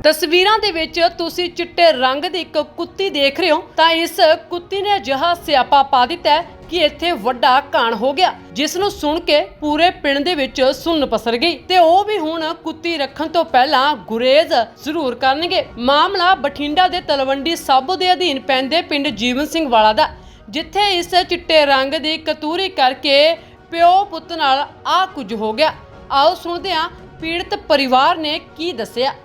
ਤਸਵੀਰਾਂ ਦੇ ਵਿੱਚ ਤੁਸੀਂ ਚਿੱਟੇ ਰੰਗ ਦੀ ਇੱਕ ਕੁੱਤੀ ਦੇਖ ਰਹੇ ਹੋ ਤਾਂ ਇਸ ਕੁੱਤੀ ਨੇ ਅਜਿਹਾ ਸਿਆਪਾ ਪਾ ਦਿੱਤਾ ਹੈ ਕਿ ਇੱਥੇ ਵੱਡਾ ਕਾਂਡ ਹੋ ਗਿਆ, ਜਿਸ ਨੂੰ ਸੁਣ ਕੇ ਪੂਰੇ ਪਿੰਡ ਦੇ ਵਿੱਚ ਸੁੰਨ ਪਸਰ ਗਈ ਤੇ ਉਹ ਵੀ ਹੁਣ ਕੁੱਤੀ ਰੱਖਣ ਤੋਂ ਪਹਿਲਾਂ ਗੁਰੇਜ਼ ਜ਼ਰੂਰ ਕਰਨਗੇ। ਮਾਮਲਾ ਬਠਿੰਡਾ ਦੇ ਤਲਵੰਡੀ ਸਾਬੋ ਦੇ ਅਧੀਨ ਪੈਂਦੇ ਪਿੰਡ ਜੀਵਨ ਸਿੰਘ ਵਾਲਾ ਦਾ, ਜਿੱਥੇ ਇਸ ਚਿੱਟੇ ਰੰਗ ਦੀ ਕਤੂਰੀ ਕਰਕੇ ਪਿਓ ਪੁੱਤ ਨਾਲ ਆ ਕੁਝ ਹੋ ਗਿਆ। ਆਓ ਸੁਣਦੇ ਹਾਂ ਪੀੜਤ ਪਰਿਵਾਰ ਨੇ ਕੀ ਦੱਸਿਆ।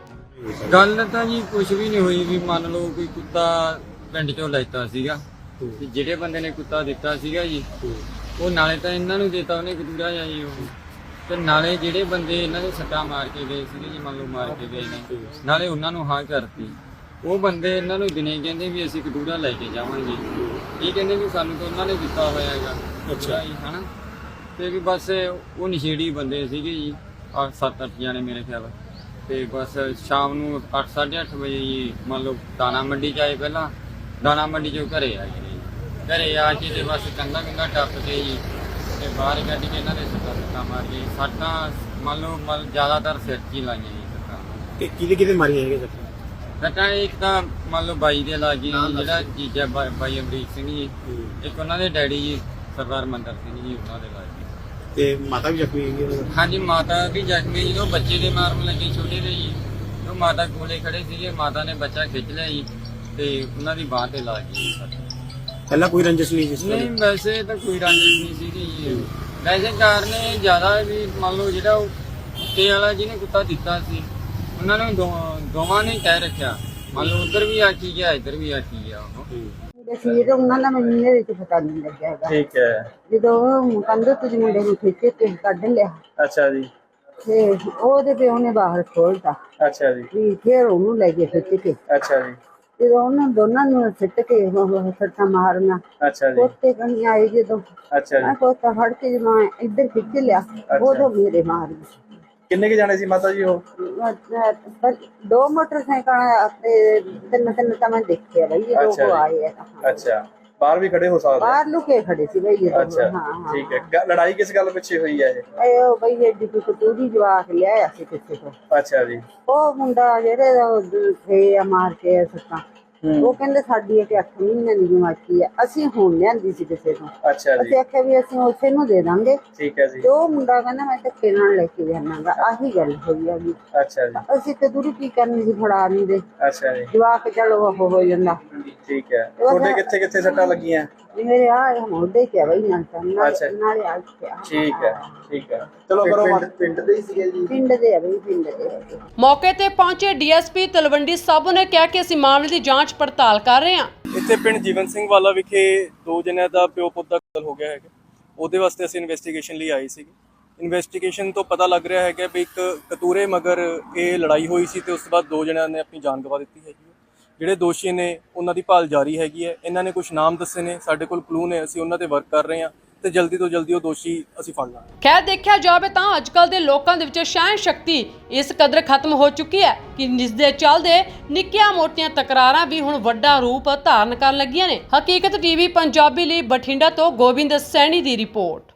ਗੱਲ ਤਾਂ ਜੀ ਕੁਝ ਵੀ ਨਹੀਂ ਹੋਈ ਵੀ ਮੰਨ ਲਓ ਕੋਈ ਕੁੱਤਾ ਪਿੰਡ ਚੋਂ ਲੈਤਾ ਸੀਗਾ ਤੇ ਜਿਹੜੇ ਬੰਦੇ ਨੇ ਕੁੱਤਾ ਦਿੱਤਾ ਸੀਗਾ ਜੀ ਉਹ ਨਾਲੇ ਤਾਂ ਇਹਨਾਂ ਨੂੰ ਦਿੱਤਾ ਉਹਨੇ ਕਤੂਰਾ ਜਾਂ ਜੀ ਉਹ ਤੇ ਨਾਲੇ ਜਿਹੜੇ ਬੰਦੇ ਇਹਨਾਂ ਦੇ ਸੱਟਾਂ ਮਾਰ ਕੇ ਗਏ ਸੀਗੇ ਜੀ ਮੰਨ ਲਓ ਮਾਰ ਕੇ ਗਏ ਨੇ ਨਾਲੇ ਉਹਨਾਂ ਨੂੰ ਹਾਂ ਕਰਤੀ। ਉਹ ਬੰਦੇ ਇਹਨਾਂ ਨੂੰ ਦਿਨੇ ਕਹਿੰਦੇ ਵੀ ਅਸੀਂ ਕਤੂਰਾ ਲੈ ਕੇ ਜਾਵਾਂਗੇ, ਇਹ ਕਹਿੰਦੇ ਵੀ ਸਾਨੂੰ ਤਾਂ ਉਹਨਾਂ ਨੇ ਦਿੱਤਾ ਹੋਇਆ ਹੈਗਾ ਕਤੂਰਾ ਜੀ ਹਨਾ। ਤੇ ਵੀ ਬਸ ਉਹ ਨਸ਼ੇੜੀ ਬੰਦੇ ਸੀਗੇ ਜੀ 7-8 ਜਾਣੇ ਮੇਰੇ ਖਿਆਲ ਤੇ ਬਸ ਸ਼ਾਮ ਨੂੰ 8-8:30 ਵਜੇ ਜੀ ਮੰਨ ਲਓ ਦਾਣਾ ਮੰਡੀ 'ਚ ਆਏ। ਪਹਿਲਾਂ ਦਾਣਾ ਮੰਡੀ 'ਚੋਂ ਘਰੇ ਆ ਗਏ, ਘਰੇ ਆ ਕੇ ਤੇ ਬਸ ਕੰਧਾਂ ਟੱਪ ਕੇ ਜੀ ਤੇ ਬਾਹਰ ਕੱਢ ਕੇ ਇਹਨਾਂ ਦੇ ਸੱਟਾਂ ਮਾਰ ਕੇ ਸੱਟਾਂ ਮੰਨ ਲਓ ਜ਼ਿਆਦਾਤਰ ਸਿਰ 'ਚ ਹੀ ਲਾਈਆਂ ਜੀ ਸੱਟਾਂ। ਕਿਹਦੇ ਮਾਰੀਆਂ ਹੈਗੇ ਸੱਟਾਂ ਇੱਕ ਤਾਂ ਮੰਨ ਲਓ ਬਾਈ ਦੇ ਲਾ ਗਈ ਜਿਹੜਾ ਜੀਜਾ ਬਾਈ ਅਮਰੀਕ ਸਿੰਘ ਜੀ, ਇੱਕ ਉਹਨਾਂ ਦੇ ਡੈਡੀ ਜੀ ਸਰਦਾਰ ਮੰਦਰ ਸਿੰਘ ਜੀ ਉਹਨਾਂ ਦੇ ਲਾ ਗਈ ਤੇ ਮਾਤਾ ਵੀ ਜ਼ਖਮੀ ਹੈਗੀ। ਹਾਂਜੀ ਮਾਤਾ ਵੀ ਜ਼ਖਮੀ ਜੀ, ਉਹ ਬੱਚੇ ਦੇ ਮਾਰਨ ਲੱਗੇ ਛੋਟੇ ਦੇ ਜੀ, ਉਹ ਮਾਤਾ ਕੋਲੇ ਖੜੇ ਸੀਗੇ, ਮਾਤਾ ਨੇ ਬੱਚਾ ਖਿੱਚ ਲਿਆ ਜੀ ਤੇ ਉਹਨਾਂ ਦੀ ਬਾਂਹ ਤੇ ਲੱਗ ਗਈ ਸੱਟ। ਪਹਿਲਾਂ ਕੋਈ ਰੰਜਿਸ਼ ਨਹੀਂ ਜਿਸ ਨਹੀਂ ਵੈਸੇ ਤਾਂ ਕੋਈ ਰੰਜਿਸ਼ ਨਹੀਂ ਸੀਗੀ ਜੀ, ਵੈਸੇ ਕਾਰਨ ਜ਼ਿਆਦਾ ਵੀ ਮੰਨ ਲਓ ਜਿਹੜਾ ਉਹ ਕੁੱਤੇ ਵਾਲਾ ਜਿਹਨੇ ਕੁੱਤਾ ਦਿੱਤਾ ਸੀ ਉਹਨਾਂ ਨੇ ਦੋਵਾਂ ਨੇ ਕਹਿ ਰੱਖਿਆ, ਮੰਨ ਲਓ ਉੱਧਰ ਵੀ ਆਖੀ ਗਿਆ ਇੱਧਰ ਵੀ ਆਖੀ ਗਿਆ ਉਹ ਫਿਰ ਉਹਨਾਂ ਦਾ ਮੈਨੂੰ ਇਹਦੇ ਵਿੱਚ ਪਤਾ ਨਹੀਂ ਲੱਗਿਆ ਹੈਗਾ। ਠੀਕ ਹੈ। ਜਦੋਂ ਕੰਧ ਤੋਂ ਮੁੰਡੇ ਨੂੰ ਖਿੱਚ ਕੇ ਕੱਢ ਲਿਆ ਅੱਛਾ ਜੀ। ਤੇ ਉਹਦੇ ਪਿਓ ਨੇ ਬਾਹਰ ਖੋਲਤਾ। ਅੱਛਾ ਜੀ। ਵੀ ਫਿਰ ਉਹਨੂੰ ਲੈ ਗਏ ਖਿੱਚ ਕੇ। ਅੱਛਾ ਜੀ। ਜਦੋਂ ਉਹਨਾਂ ਦੋਨਾਂ ਨੂੰ ਸਿੱਟ ਕੇ ਸੱਟਾਂ ਮਾਰਨਾ ਅੱਛਾ ਜੀ। ਕੋਤੇ ਕਣੀ ਆਏ ਜਦੋਂ ਅੱਛਾ ਮੈਂ ਜੀ। ਕੋਤਾ ਫੜ ਕੇ ਜਦੋਂ ਇੱਧਰ ਖਿੱਚ ਲਿਆ ਉਦੋਂ ਮੇਰੇ ਮਾਰ ਗਈ। ਕਿੰਨੇ ਕੇ ਜਾਣੇ ਸੀ ਮਾਤਾ ਜੀ ਉਹ? ਦੋ ਮੋਟਰਸਾਈਕਲ ਤੇ ਤਿੰਨ ਤਾਂ ਮੈਂ ਦੇਖਿਆ ਬਈ ਅੱਛਾ ਉਹ ਜੀ। ਆਏ ਆ। ਅੱਛਾ ਬਾਹਰ ਵੀ ਖੜੇ ਹੋ ਸਕਦੇ? ਬਾਹਰ ਲੁਕੇ ਖੜੇ ਸੀ ਬਈ ਇਹ ਅੱਛਾ ਹਾਂ ਠੀਕ ਹੈ। ਲੜਾਈ ਕਿਸ ਗੱਲ ਪਿੱਛੇ ਹੋਈ ਹੈ ਇਹ ਉਹ ਬਈ ਐਡੀ ਕੋਈ ਕਤੂਰੀ ਜਵਾਕ ਲਿਆਇਆ ਸੀ ਕਿਸੇ ਤੋਂ। ਅੱਛਾ ਜੀ। ਉਹ ਮੁੰਡਾ ਜਿਹੜੇ ਥੇ ਆ ਮਾਰ ਕੇ ਸੱਤਾਂ ਉਹ ਕਹਿੰਦੇ ਸਾਡੀ ਇੱਕ 8 ਮਹੀਨੇ ਦੀ ਜਮਾਤੀ ਆ, ਅਸੀਂ ਹੁਣ ਲਿਆਂਦੀ ਸੀ ਕਿਸੇ ਤੋਂ। ਅੱਛਾ ਜੀ। ਅਸੀਂ ਆਖਿਆ ਵੀ ਅਸੀਂ ਉਸੇ ਨੂੰ ਦੇ ਦਾਂਗੇ। ਠੀਕ ਹੈ ਜੀ। ਤੇ ਉਹ ਮੁੰਡਾ ਕਹਿੰਦਾ ਮੈਂ ਧੱਕੇ ਨਾਲ ਲੈ ਕੇ ਜਾਣਾਗਾ, ਆਹੀ ਗੱਲ ਹੋਈ ਆ ਜੀ। ਅੱਛਾ ਜੀ। ਅਸੀਂ ਕਤੂਰੀ ਕੀ ਕਰਨੀ ਸੀ, ਫੜਾ ਨਹੀਂ ਦੇ ਅੱਛਾ ਜੀ। ਜਵਾਕ ਚਲੋ ਉਹ ਹੋ ਜਾਂਦਾ। ਠੀਕ ਹੈ। ਤੁਹਾਡੇ ਕਿੱਥੇ ਕਿੱਥੇ ਸੱਟਾਂ ਲੱਗੀਆਂ? ਮੇਰੇ ਆ ਮੋਢੇ ਤੇ ਬਈ ਨਾਲ ਅੱਛਾ। ਨਾਲੇ ਆ ਠੀਕ ਹੈ। ਠੀਕ ਹੈ ਚਲੋ ਕਰੋ। ਪਿੰਡ ਦੇ ਹੀ ਸੀਗੇ ਜੀ? ਪਿੰਡ ਦੇ ਆ ਬਈ, ਪਿੰਡ ਦੇ। ਮੌਕੇ ਤੇ ਪਹੁੰਚੇ ਡੀਐਸਪੀ ਤਲਵੰਡੀ ਸਾਬੋ ਨੇ ਕਿਹਾ ਕਿ ਅਸੀਂ ਮਾਮਲੇ ਦੀ ਜਾਂਚ ਪੜਤਾਲ ਕਰ ਰਹੇ ਹਾਂ। ਇੱਥੇ ਪਿੰਡ ਜੀਵਨ ਸਿੰਘ ਵਾਲਾ ਵਿਖੇ 2 ਜਣਿਆਂ ਦਾ ਪਿਓ ਪੁੱਤ ਦਾ ਕਤਲ ਹੋ ਗਿਆ ਹੈਗਾ। ਉਹਦੇ ਵਾਸਤੇ ਅਸੀਂ ਇਨਵੈਸਟੀਗੇਸ਼ਨ ਲਈ ਆਏ ਸੀਗੇ। ਇਨਵੈਸਟੀਗੇਸ਼ਨ ਤੋਂ ਪਤਾ ਲੱਗ ਰਿਹਾ ਹੈਗਾ ਵੀ ਇੱਕ ਕਤੂਰੇ ਮਗਰ ਇਹ ਲੜਾਈ ਹੋਈ ਸੀ ਤੇ ਉਸ ਤੋਂ ਬਾਅਦ 2 ਜਣਿਆਂ ਨੇ ਆਪਣੀ ਜਾਨ ਗਵਾ ਦਿੱਤੀ ਹੈਗੀ। ਜਿਹੜੇ ਦੋਸ਼ੀ ਨੇ ਉਹਨਾਂ ਦੀ ਭਾਲ ਜਾਰੀ ਹੈਗੀ ਹੈ। ਇਹਨਾਂ ਨੇ ਕੁਝ ਨਾਮ ਦੱਸੇ ਨੇ, ਸਾਡੇ ਕੋਲ ਕਲੂ ਨੇ, ਅਸੀਂ ਉਹਨਾਂ ਤੇ ਵਰਕ ਕਰ ਰਹੇ ਹਾਂ ਤੇ ਜਲਦੀ ਤੋਂ ਜਲਦੀ ਉਹ ਦੋਸ਼ੀ ਅਸੀਂ ਫੜ ਲਾਂਗੇ। ਖੈਰ ਦੇਖਿਆ ਜਾਵੇ ਤਾਂ ਅੱਜਕੱਲ ਦੇ ਲੋਕਾਂ ਦੇ ਵਿੱਚ ਸਹਿਣ ਸ਼ਕਤੀ ਇਸ ਕਦਰ ਖਤਮ ਹੋ ਚੁੱਕੀ ਹੈ ਕਿ ਜਿਸ ਦੇ ਚੱਲਦੇ ਨਿੱਕੀਆਂ ਮੋਟੀਆਂ ਤਕਰਾਰਾਂ ਵੀ ਹੁਣ ਵੱਡਾ ਰੂਪ ਧਾਰਨ ਕਰਨ ਲੱਗੀਆਂ ਨੇ। ਹਕੀਕਤ ਟੀਵੀ ਪੰਜਾਬੀ ਲਈ ਬਠਿੰਡਾ ਤੋਂ ਗੋਬਿੰਦ ਸੈਣੀ ਦੀ ਰਿਪੋਰਟ।